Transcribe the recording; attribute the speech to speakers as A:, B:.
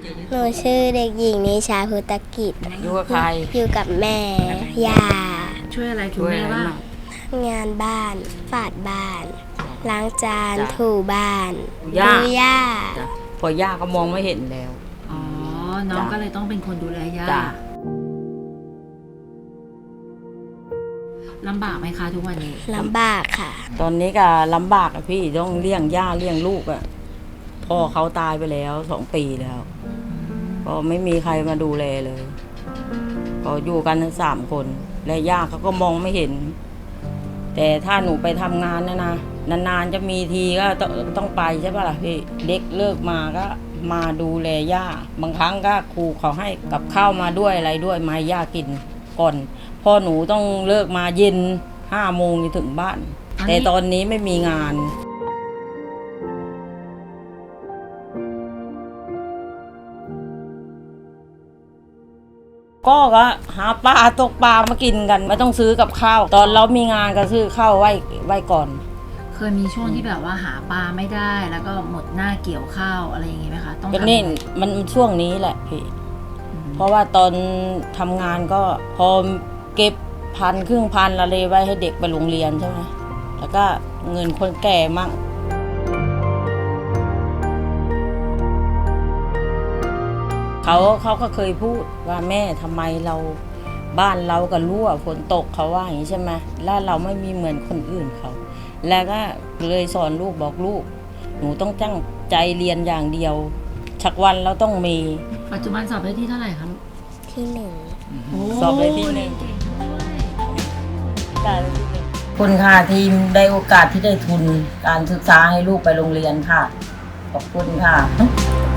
A: หนูชื่อเด็กหญิงนิชาพุตกิจ
B: อยู่กับใคร
A: อยู่กับแม่ย่า
C: ช่วยอะไรคุณแม่บ้าง
A: งานบ้านฝาดบ้าน ล้างจาน
B: จ้ะ
A: ถูบ้าน
B: ย่า
A: ดูย่า
B: จ้ะพอย่าก็มองไม่เห็นแล้ว
C: อ๋อ น้องก็เลยต้องเป็นคนดูแลย่า
B: จ้ะ
C: ลำบากไหมคะทุกวันนี้
A: ลำบากค่ะ
B: ตอนนี้ก็ลำบากอะพี่ต้องเลี้ยงย่าเลี้ยงลูกอะพ่อเขาตายไปแล้ว2 ปีแล้วก็ไม่มีใครมาดูแลเลยก็อยู่กันทั้ง3 คนและย่าเขาก็มองไม่เห็น แต่ถ้าหนูไปทำงานนะนานๆจะมีทีก็ต้องไปใช่ป่ะล่ะพี่เด็กเลิกมาก็มาดูแลย่าบางครั้งก็ครูเขาให้กับข้าวมาด้วยอะไรด้วยมาให้ย่ากินก่อนพ่อหนูต้องเลิกมาเย็น5 โมงจะถึงบ้าน แต่ตอนนี้ไม่มีงานก็หาปลาตกปลามากินกันไม่ต้องซื้อกับข้าวตอนเรามีงานก็ซื้อข้าวไว้ก่อน
C: เคยมีช่วงที่แบบว่าหาปลาไม่ได้ แล้วก็หมดหน้าเกี่ยวข้าวอะไรอย่างงี้ไหมคะ ต้อง
B: ก็
C: ทำ
B: นี่มันช่วงนี้แหละพี่เพราะว่าตอนทำงานก็พอเก็บ1,000 อะไรไว้ให้เด็กไปโรงเรียนใช่ไหมแล้วก็เงินคนแก่มั่งเขาก็เคยพูดว่าแม่ทำไมเราบ้านเราก็รั่วฝนตกเขาว่าอย่างนี้ใช่ไหมแล้วเราไม่มีเหมือนคนอื่นเขาแล้วก็เลยสอนลูกบอกลูกหนูต้องตั้งใจเรียนอย่างเดียวชักวันเราต้องมี
C: ปัจจุบันสอบได้ที่เท่าไหร่คะลูก
A: ที่หนึ่ง
B: สอบได้ที่หนึ่ง
C: เก่งด้วย
B: คุณค่ะทีมได้โอกาสที่ได้ทุนการศึกษาให้ลูกไปโรงเรียนค่ะขอบคุณค่ะ